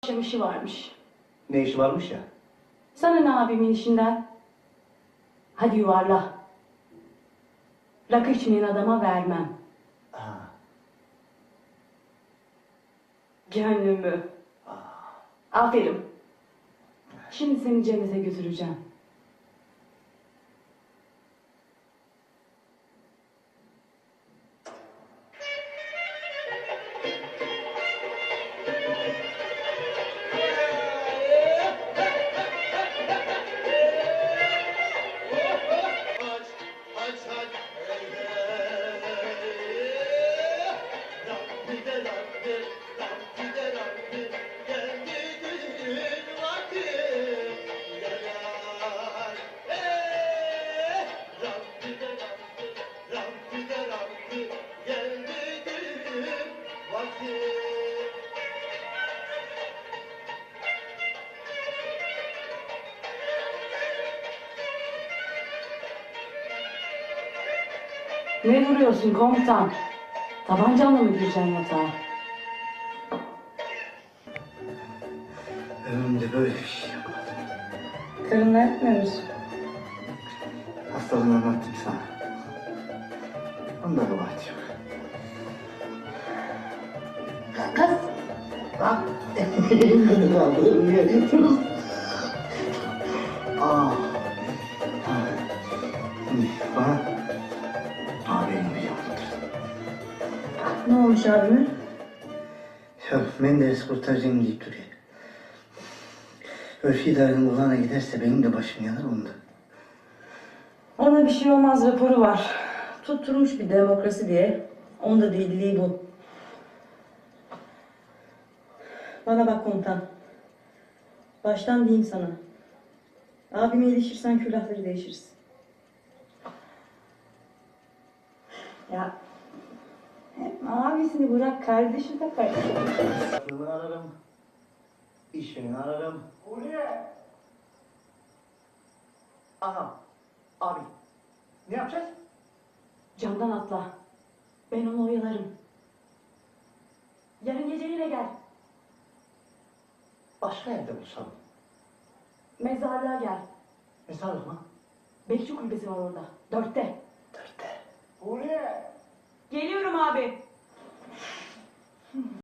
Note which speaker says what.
Speaker 1: akşam işi varmış.
Speaker 2: Ne işi varmış ya?
Speaker 1: Sana ne abimin işinden? Hadi yuvarla. Rakı içmeyen adama vermem.
Speaker 2: Ha.
Speaker 1: Gönlümü. Aferin. Şimdi seni cennete götüreceğim. Ne duruyorsun komutan? Tabancanla mı gireceksin yatağa?
Speaker 2: Ömrümde böyle bir şey yapmadım.
Speaker 1: Karınla yapmıyor musun?
Speaker 2: Hastalığını anlattım sana. Onda kabahat yok.
Speaker 1: Kız!
Speaker 2: Bak. Beni kaldırın niye diyorsunuz? Ah. Şimdi bana abinin bir yaptır.
Speaker 1: Ne olmuş abime?
Speaker 2: Ya Menderes kurtaracağım deyip duruyor. Örfü idarenin kulağına giderse benim de başım yanar onda.
Speaker 1: Ona bir şey olmaz raporu var. Tutturmuş bir demokrasi diye. Onda deliliği bu. Bana bak komutan. Baştan diyeyim sana. Abime ilişirsen külahları değişiriz. Ya hep abisini bırak kardeşi de kardeşi.
Speaker 2: Aklını ararım. İşini ararım. Uluye! Aha. Abi. Ne yapacağız?
Speaker 1: Camdan atla. Ben onu oyalarım. Yarın gece yine gel.
Speaker 2: Başka yerde bulsam.
Speaker 1: Mezarlığa gel.
Speaker 2: Mezarlık mı?
Speaker 1: Bekçi kulübesi var orada. 4'te.
Speaker 2: 4'te. Uluye!
Speaker 1: Geliyorum abi.